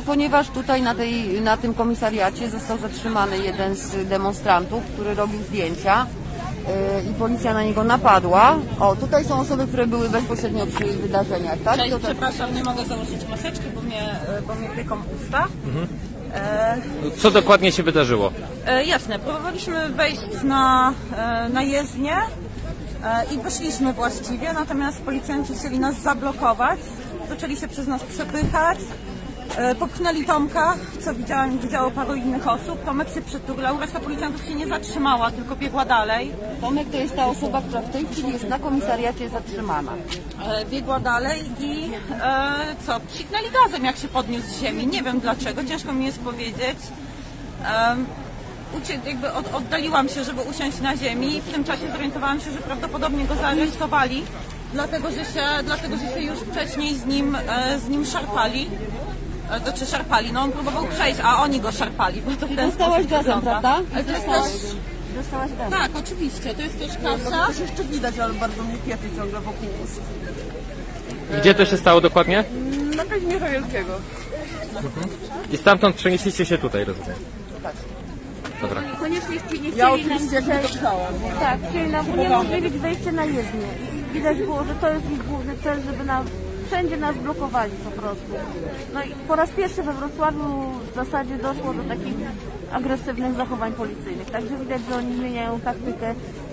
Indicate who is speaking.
Speaker 1: Ponieważ tutaj na tym komisariacie został zatrzymany jeden z demonstrantów, który robił zdjęcia i policja na niego napadła. O, tutaj są osoby, które były bezpośrednio przy wydarzeniach, tak?
Speaker 2: Cześć, przepraszam, nie mogę założyć maseczki, bo mnie pieką usta.
Speaker 3: Co dokładnie się wydarzyło?
Speaker 2: Jasne, próbowaliśmy wejść na jezdnię i wyszliśmy właściwie, natomiast policjanci chcieli nas zablokować, zaczęli się przez nas przepychać, popchnęli Tomka, co widziało paru innych osób, Tomek się przytulał, reszta policjantów się nie zatrzymała, tylko biegła dalej.
Speaker 1: Tomek to jest ta osoba, która w tej chwili jest na komisariacie zatrzymana.
Speaker 2: Biegła dalej i psiknęli gazem, jak się podniósł z ziemi, nie wiem dlaczego, ciężko mi jest powiedzieć. Oddaliłam się, żeby usiąść na ziemi i w tym czasie zorientowałam się, że prawdopodobnie go zaaresztowali, dlatego że się już wcześniej z nim szarpali. No on próbował przejść, a oni go szarpali. Bo to w ten
Speaker 1: Dostałaś gazem,
Speaker 2: wygląda.
Speaker 1: prawda?
Speaker 2: Ale to jest też...
Speaker 1: Dostałaś gazem.
Speaker 2: Tak, oczywiście, to jest też kasa.
Speaker 4: To się jeszcze widać, ale bardzo mnie pieczy ciągle wokół ust.
Speaker 3: Gdzie to się stało dokładnie?
Speaker 4: Na Kazimierza Wielkiego.
Speaker 3: I stamtąd przenieśliście się tutaj, rozumiem.
Speaker 1: Tak.
Speaker 3: Dobra.
Speaker 5: Koniecznie nie chcieli
Speaker 4: Ja
Speaker 5: nam
Speaker 4: oczywiście jak nie dotknęłam.
Speaker 5: tak, chcieli nam uniemożliwić wejście na jezdnię. I widać było, że to jest ich główny cel, żeby wszędzie nas blokowali po prostu. No i po raz pierwszy we Wrocławiu w zasadzie doszło do takich agresywnych zachowań policyjnych. Także widać, że oni zmieniają taktykę